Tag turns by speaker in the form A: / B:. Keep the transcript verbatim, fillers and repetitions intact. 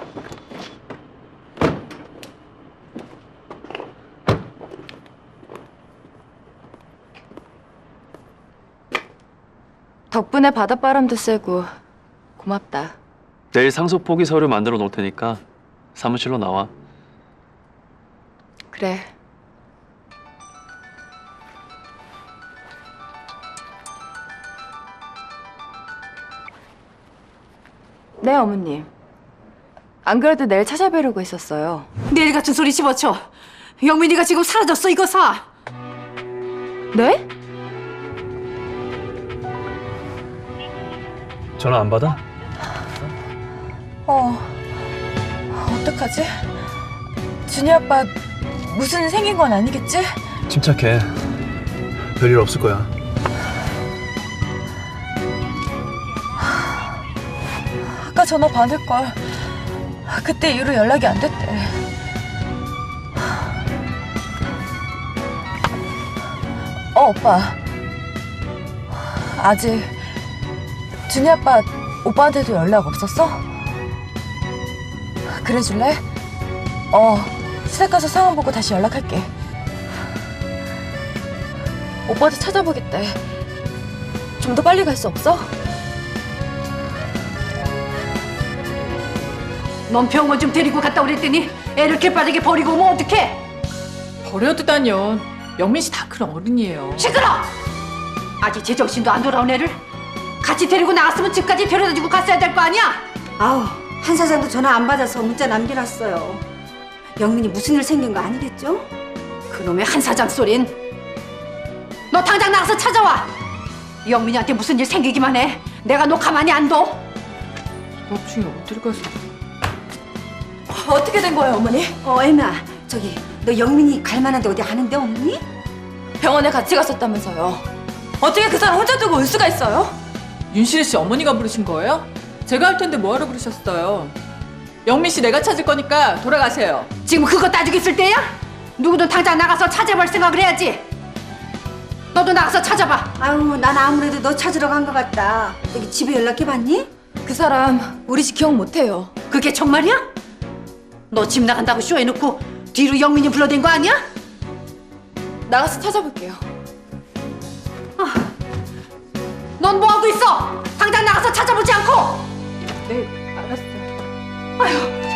A: 덕분에 바닷바람도 쐬고 고맙다.
B: 내일 상속 포기 서류 만들어 놓을 테니까 사무실로 나와.
A: 그래. 네, 어머님. 안 그래도 내일 찾아뵈려고 했었어요.
C: 내일 같은 소리 집어쳐. 영민이가 지금 사라졌어. 이거 사.
A: 네?
B: 전화 안 받아?
A: 어... 어떡하지? 준이 아빠 무슨 생긴 건 아니겠지?
B: 침착해. 별일 없을 거야.
A: 아까 전화 받을걸. 그때 이후로 연락이 안 됐대. 어, 오빠. 아직 준이 아빠 오빠한테도 연락 없었어? 그래줄래? 어, 시댁 가서 상황 보고 다시 연락할게. 오빠도 찾아보겠대. 좀 더 빨리 갈 수 없어?
C: 넌 병원 좀 데리고 갔다 오랬더니 애를 이렇게 빠르게 버리고 오면 어떡해?
D: 버려두다뇨. 영민 씨 다 큰 어른이에요.
C: 시끄러! 아직 제정신도 안 돌아온 애를 같이 데리고 나갔으면 집까지 데려다주고 갔어야 될 거 아니야?
E: 아우, 한 사장도 전화 안 받아서 문자 남겨놨어요. 영민이 무슨 일 생긴 거 아니겠죠?
C: 그놈의 한 사장 소린. 너 당장 나가서 찾아와. 영민이한테 무슨 일 생기기만 해. 내가 너 가만히 안 둬.
D: 수업 중에 어딜 가서.
A: 어떻게 된 거예요, 어머니?
E: 어, 애나, 저기 너 영민이 갈 만한 데 어디 아는데 없니?
A: 병원에 같이 갔었다면서요. 어떻게 그 사람 혼자 두고 올 수가 있어요?
D: 윤실이 씨 어머니가 부르신 거예요? 제가 할 텐데 뭐하러 부르셨어요? 영민 씨 내가 찾을 거니까 돌아가세요.
C: 지금 그거 따지고 있을 때야? 누구든 당장 나가서 찾아볼 생각을 해야지. 너도 나가서 찾아봐.
E: 아유, 난 아무래도 너 찾으러 간 것 같다. 여기 집에 연락해봤니?
A: 그 사람 우리 집 기억 못해요.
C: 그게 정말이야? 너 집 나간다고 쇼해놓고 뒤로 영민이 불러댄 거 아니야?
A: 나가서 찾아볼게요.
C: 넌 뭐하고 있어? 당장 나가서 찾아보지 않고!
A: 네, 알았어요.
C: 아휴,